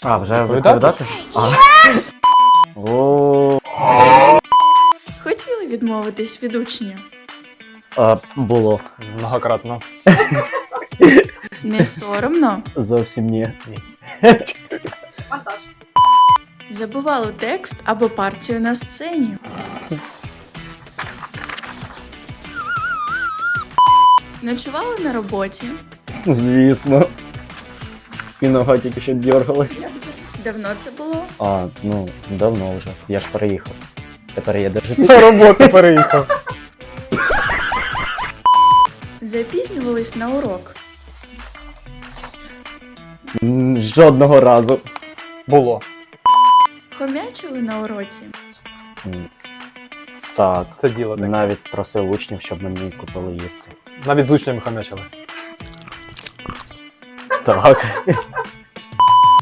А, вже Відповідати? відповідати? А. О, Хотіли відмовитись від учня? було. Многократно. Не соромно? Зовсім ні. Забували текст або партію на сцені? Ночували на роботі? Звісно. І нога тільки що дергалась. Давно це було? Ну, давно вже. Я ж переїхав. Тепер є де жити. На роботу переїхав. Запізнювались на урок? Жодного разу. Було. Хомячили на уроці? Так. Це діло таке. Навіть просив учнів, щоб мені купили їсти. Навіть з учнями хамячили. Так.